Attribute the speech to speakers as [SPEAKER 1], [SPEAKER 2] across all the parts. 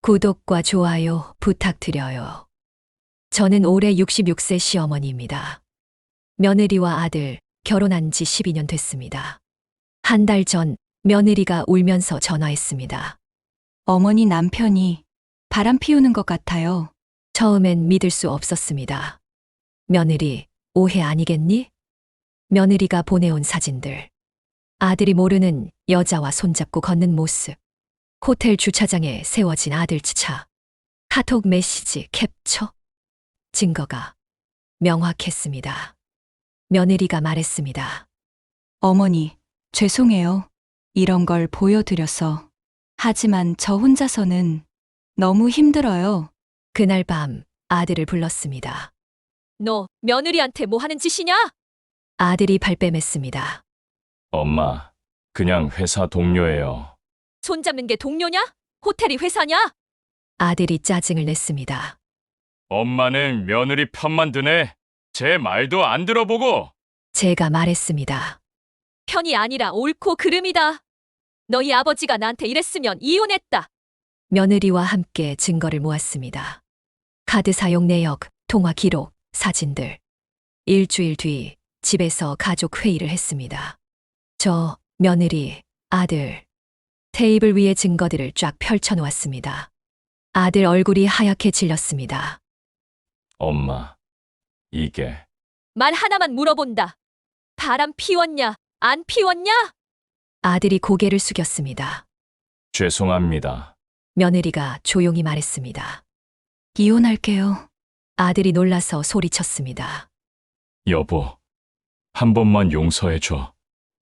[SPEAKER 1] 구독과 좋아요 부탁드려요. 저는 올해 66세 시어머니입니다. 며느리와 아들 결혼한 지 12년 됐습니다. 한 달 전 며느리가 울면서 전화했습니다.
[SPEAKER 2] 어머니 남편이 바람 피우는 것 같아요.
[SPEAKER 1] 처음엔 믿을 수 없었습니다. 며느리, 오해 아니겠니? 며느리가 보내온 사진들. 아들이 모르는 여자와 손잡고 걷는 모습. 호텔 주차장에 세워진 아들 차. 카톡 메시지 캡처. 증거가 명확했습니다. 며느리가 말했습니다.
[SPEAKER 2] 어머니, 죄송해요. 이런 걸 보여드려서. 하지만 저 혼자서는 너무 힘들어요.
[SPEAKER 1] 그날 밤 아들을 불렀습니다. 너 며느리한테 뭐 하는 짓이냐? 아들이 발뺌했습니다.
[SPEAKER 3] 엄마, 그냥 회사 동료예요.
[SPEAKER 1] 손잡는 게 동료냐? 호텔이 회사냐? 아들이 짜증을 냈습니다.
[SPEAKER 3] 엄마는 며느리 편만 드네. 제 말도 안 들어보고.
[SPEAKER 1] 제가 말했습니다. 편이 아니라 옳고 그름이다. 너희 아버지가 나한테 이랬으면 이혼했다. 며느리와 함께 증거를 모았습니다. 카드 사용 내역, 통화 기록, 사진들. 일주일 뒤 집에서 가족 회의를 했습니다. 저, 며느리, 아들. 테이블 위에 증거들을 쫙 펼쳐놓았습니다. 아들 얼굴이 하얗게 질렸습니다.
[SPEAKER 3] 엄마, 이게
[SPEAKER 1] 말 하나만 물어본다. 바람 피웠냐? 안 피웠냐? 아들이 고개를 숙였습니다.
[SPEAKER 3] 죄송합니다.
[SPEAKER 1] 며느리가 조용히 말했습니다.
[SPEAKER 2] 이혼할게요.
[SPEAKER 1] 아들이 놀라서 소리쳤습니다.
[SPEAKER 3] 여보, 한 번만 용서해줘.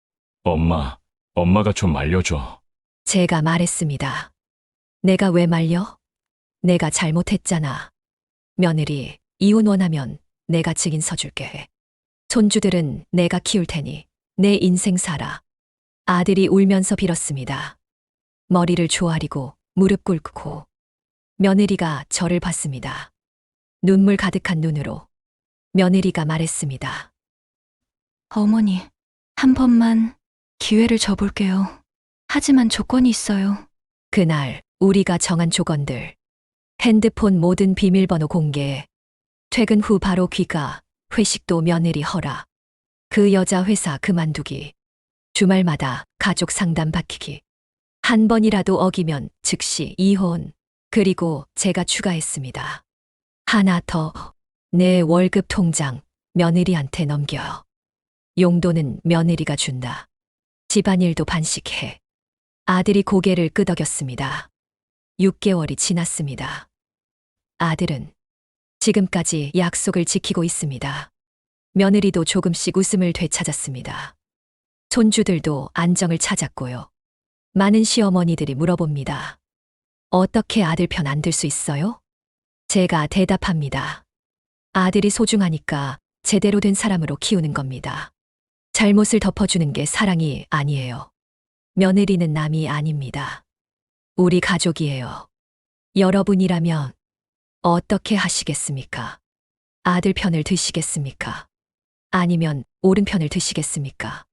[SPEAKER 3] 엄마가 좀 말려줘.
[SPEAKER 1] 제가 말했습니다. 내가 왜 말려? 내가 잘못했잖아. 며느리, 이혼 원하면 내가 증인 서줄게. 손주들은 내가 키울 테니 내 인생 살아. 아들이 울면서 빌었습니다. 머리를 조아리고 무릎 꿇고 며느리가 저를 봤습니다. 눈물 가득한 눈으로 며느리가 말했습니다.
[SPEAKER 2] 어머니, 한 번만 기회를 줘볼게요. 하지만 조건이 있어요.
[SPEAKER 1] 그날 우리가 정한 조건들. 핸드폰 모든 비밀번호 공개. 퇴근 후 바로 귀가. 회식도 며느리 허락. 그 여자 회사 그만두기. 주말마다 가족 상담 받히기. 한 번이라도 어기면 즉시 이혼. 그리고 제가 추가했습니다. 하나 더. 내 월급 통장 며느리한테 넘겨. 용돈은 며느리가 준다. 집안일도 반씩해. 아들이 고개를 끄덕였습니다. 6개월이 지났습니다. 아들은 지금까지 약속을 지키고 있습니다. 며느리도 조금씩 웃음을 되찾았습니다. 손주들도 안정을 찾았고요. 많은 시어머니들이 물어봅니다. 어떻게 아들 편 안 들 수 있어요? 제가 대답합니다. 아들이 소중하니까 제대로 된 사람으로 키우는 겁니다. 잘못을 덮어주는 게 사랑이 아니에요. 며느리는 남이 아닙니다. 우리 가족이에요. 여러분이라면 어떻게 하시겠습니까? 아들 편을 드시겠습니까? 아니면 옳은 편을 드시겠습니까?